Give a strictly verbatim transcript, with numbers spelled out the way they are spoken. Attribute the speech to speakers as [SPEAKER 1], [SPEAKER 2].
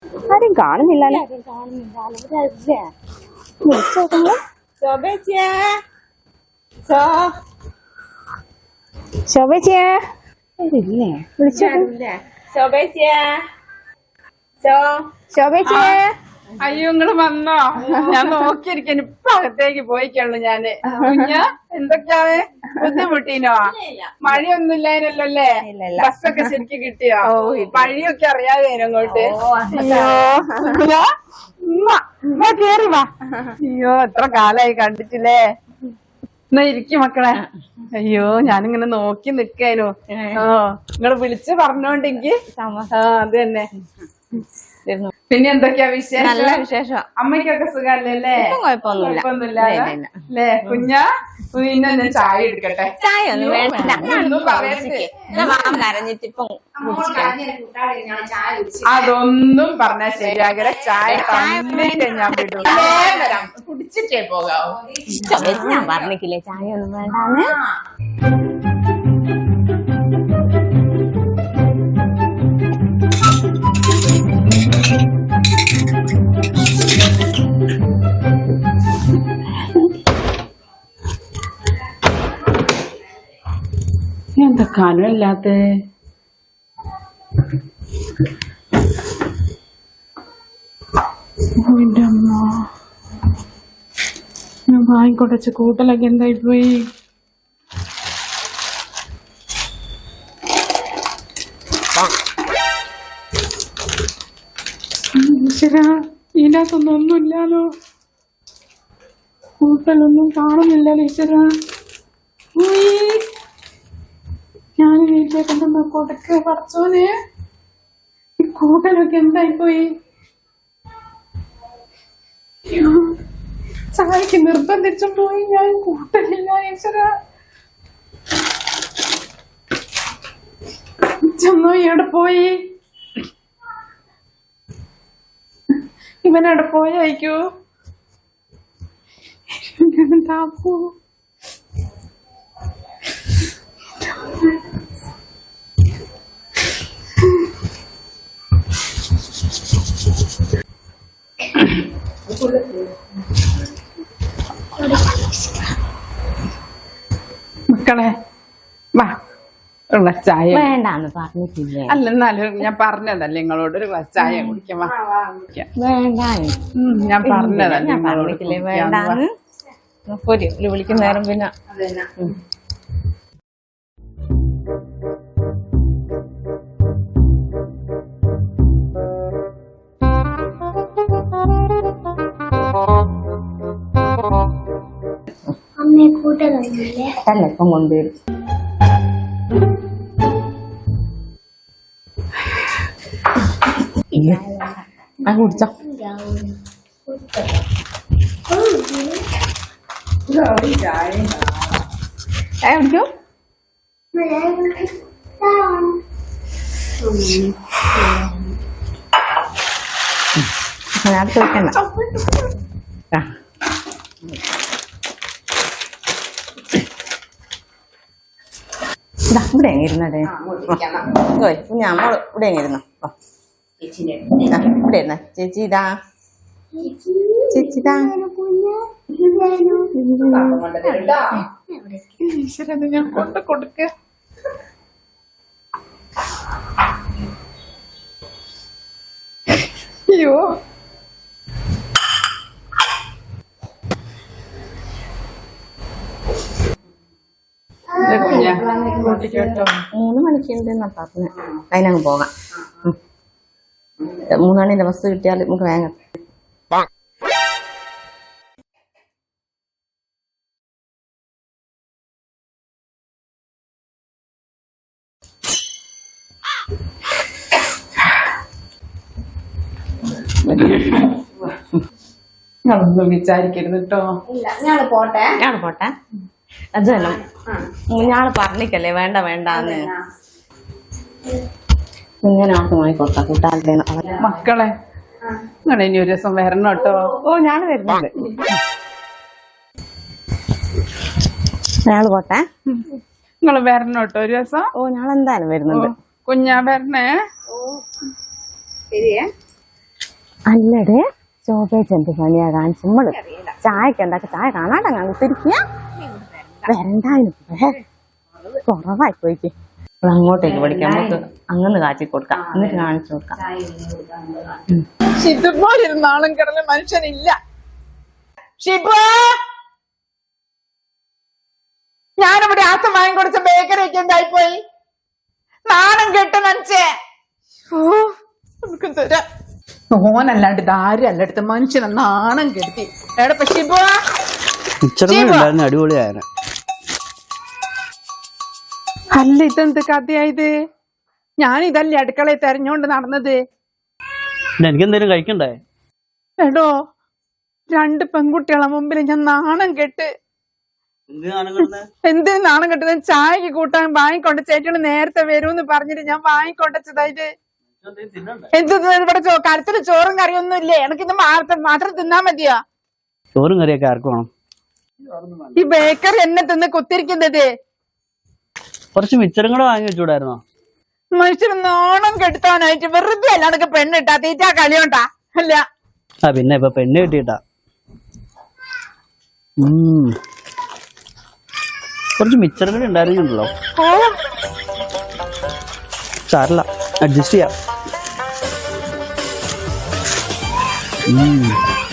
[SPEAKER 1] ആരും കാണുന്നില്ലല്ലോ. ശോഭേച്ചിയെ ഇല്ലേ? വിളിച്ചോല്ലേ ശോഭേച്ചിയെ.
[SPEAKER 2] അയ്യോ നിങ്ങള് വന്നോ? ഞാൻ നോക്കിയിരിക്കാൻ ഇപ്പൊ അകത്തേക്ക് പോയിക്കുള്ളൂ ഞാന്. കുഞ്ഞ എന്തൊക്കെയാണ് ബുദ്ധിമുട്ടീനോ? മഴയൊന്നും ഇല്ലായിരുന്നല്ലോ അല്ലേ? ബസ്സൊക്കെ ശരിക്കും കിട്ടിയോ? വഴിയൊക്കെ അറിയാതെ അങ്ങോട്ട്. അയ്യോ കേറി വാ. അയ്യോ എത്ര കാലായി കണ്ടിട്ടില്ലേ? എന്നാ ഇരിക്കും മക്കളെ. അയ്യോ ഞാനിങ്ങനെ നോക്കി നിക്കാനു. ആ നിങ്ങള് വിളിച്ച് പറഞ്ഞോണ്ടെങ്കി ആ അത് തന്നെ. പിന്നെ എന്തൊക്കെയാ വിശേഷം?
[SPEAKER 1] നല്ല വിശേഷം.
[SPEAKER 2] അമ്മയ്ക്കൊക്കെ സുഖല്ലേ? കുഴപ്പമൊന്നുമില്ല അല്ലേ? കുഞ്ഞാ പിന്നെ ഞാൻ ചായ എടുക്കട്ടെ.
[SPEAKER 1] ചായ ഒന്നും വേണ്ട.
[SPEAKER 2] അതൊന്നും പറഞ്ഞാൽ ശരിയാകെ. ചായ തന്നിട്ട് ഞാൻ വിടും. കുടിച്ചിട്ടേ പോകാവൂ.
[SPEAKER 1] ഞാൻ പറഞ്ഞില്ലേ ചായ ഒന്നും വേണ്ടാന്ന്.
[SPEAKER 2] എന്താ കനമില്ലാത്ത? എന്റെ അമ്മ ഞാൻ വാങ്ങിക്കൊടച്ച കൂട്ടലൊക്കെ എന്തായി പോയി? ഇതിനകത്തൊന്നും ഒന്നുമില്ലാലോ. കൂട്ടലൊന്നും കാണുന്നില്ലല്ലോ ഈശ്വര. ഞാൻ വീട്ടിലേക്കൊന്നും കൊടുക്ക പറച്ചോനെ. ഈ കൂട്ടലൊക്കെ എന്തായിപ്പോയി? ചായക്ക് നിർബന്ധിച്ചും പോയി ഞാൻ. കൂട്ടലില്ല ഈശ്വര. ചെന്നോ എവിടെ പോയി? ഇവനവിടെ പോയായിക്കോ? താപ്പോ മക്കളെ വാ ഒരു ഗ്ലാസ് ചായ.
[SPEAKER 1] വേണ്ടാന്ന് പറഞ്ഞിട്ടില്ലേ?
[SPEAKER 2] അല്ല എന്നാലും ഞാൻ പറഞ്ഞതല്ലേ നിങ്ങളോട് ഒരു ഗ്ലാസ് ചായ കുടിക്കാം.
[SPEAKER 1] വേണ്ട
[SPEAKER 2] ഞാൻ പറഞ്ഞതല്ലേ
[SPEAKER 1] ഞാൻ പറഞ്ഞിട്ടില്ലേ വേണ്ടാന്ന്. പൊരി വിളിക്കുന്ന നേരം പിന്നെ
[SPEAKER 3] അമ്മയെ കൂട്ടലൊന്നുമില്ലേ?
[SPEAKER 1] അല്ല ഇപ്പം കൊണ്ടുവരും. ആ കുടിച്ചോ. ചായ കുടിക്കോ? അടുത്ത് വെക്കണ്ട. ഇവിടെ ഇരുന്നേ ഞാൻ ഇവിടെ ഇരുന്നോ. ഇവിടെ ഇരുന്ന ചേച്ചി ഇതാ ചേച്ചി ഇതാ.
[SPEAKER 2] ഞാൻ കൊണ്ട് കൊടുക്ക. അയ്യോ
[SPEAKER 1] മൂന്ന് മണിക്കുണ്ടെന്നാ പറഞ്ഞ. അതിനങ്ങ് പോകാം. മൂന്നാണിന്റെ ബസ് കിട്ടിയാൽ നമുക്ക് വേഗം.
[SPEAKER 2] ഞങ്ങളൊന്നും വിചാരിക്കരുത് കേട്ടോ.
[SPEAKER 1] ഞാള് പോട്ടെ ഞാള് പോട്ടെ. അത് തന്നെ ഞാള് പറഞ്ഞിക്കല്ലേ വേണ്ട വേണ്ടാന്ന്. ഇങ്ങനെ ആക്കുമായി കൊടുക്കാം കൂട്ടാതെ.
[SPEAKER 2] മക്കളെ നിങ്ങൾ ഇനി ഒരു ദിവസം വരണം കേട്ടോ.
[SPEAKER 1] ഓ ഞാള് വരുന്നുണ്ട്. ഞാള് പോട്ടെ.
[SPEAKER 2] നിങ്ങൾ വരണം കേട്ടോ ഒരു ദിവസം.
[SPEAKER 1] ഓ ഞാളെന്തായാലും വരുന്നുണ്ട്.
[SPEAKER 2] കുഞ്ഞാ വരണേ.
[SPEAKER 1] ശരിയേ. അല്ലടേ ശോഭേച്ച് എന്ത് പണിയാ കാണിച്ചു നമ്മള് ചായക്ക് ഉണ്ടാക്കി ചായ കാണാട്ടെ കുത്തിരിക്കുക വരണ്ടായിരുന്നു കുറവായി പോയിക്ക് അപ്പോൾ അങ്ങോട്ടേക്ക് പഠിക്കാം നമുക്ക് അങ്ങനെ കാച്ചി കൊടുക്കാം എന്നിട്ട് കാണിച്ചു കൊടുക്കാം.
[SPEAKER 2] ഇതുപോലിരുന്നാളും കിടന്ന മനുഷ്യനില്ല. ഷിബു, ഞാനിവിടെ ആസം വാങ്ങിക്കൊടുത്ത ബേക്കറിയൊക്കെ എന്തായിപ്പോയി? നാണം കെട്ട് മനസ്സേ. നമുക്ക് തരാം. ഓനല്ലാണ്ട് ഇതാരും അല്ലടുത്ത് മനുഷ്യനെ നാണം കെടുത്തി. എടപ്പ ഷിബു,
[SPEAKER 4] അടിപൊളിയായ
[SPEAKER 2] അല്ല ഇതെന്ത് കഥയായത്? ഞാൻ ഇതല്ലേ അടുക്കളയിൽ തെരഞ്ഞോണ്ട് നടന്നത്.
[SPEAKER 4] എനിക്കെന്തേലും കഴിക്കണ്ടേ?
[SPEAKER 2] എടോ, രണ്ട് പെൺകുട്ടികളെ മുമ്പിൽ ഞാൻ നാണം കെട്ട്. എന്തിനു നാണം കെട്ടുന്നത്? ചായക്ക് കൂട്ടാൻ വാങ്ങിക്കൊണ്ട് ചേട്ടന് നേരത്തെ വരൂന്ന് പറഞ്ഞിട്ട് ഞാൻ വാങ്ങിക്കൊണ്ടതായത്. എന്ത് ഇവിടെ കരത്തില് ചോറും കറിയൊന്നും ഇല്ലേ? എനിക്കിന്ന് മാത്രം തിന്നാ മതിയോ?
[SPEAKER 4] ചോറും കറിയൊക്കെ ആർക്കും വേണം?
[SPEAKER 2] ഈ ബേക്കറി എന്നെ തിന്ന് കുത്തിരിക്കുന്നത്.
[SPEAKER 4] കുറച്ച് മിച്ചറും കൂടെ വാങ്ങി വെച്ചൂടായിരുന്നോ?
[SPEAKER 2] മനുഷ്യന് നാണം കെടുത്താനായിട്ട് വെറുതെ അല്ലാതൊക്കെ പെണ്ണിട്ടാ തീറ്റാ കളിയോണ്ടാ അല്ല.
[SPEAKER 4] ആ പിന്നെ ഇപ്പൊ പെണ്ണ് കിട്ടിയിട്ടാ. ഉം കുറച്ച് മിച്ചറും കൂടെ ഉണ്ടായിരുന്നുണ്ടല്ലോ. സാരല്ല, അഡ്ജസ്റ്റ് ചെയ്യാം.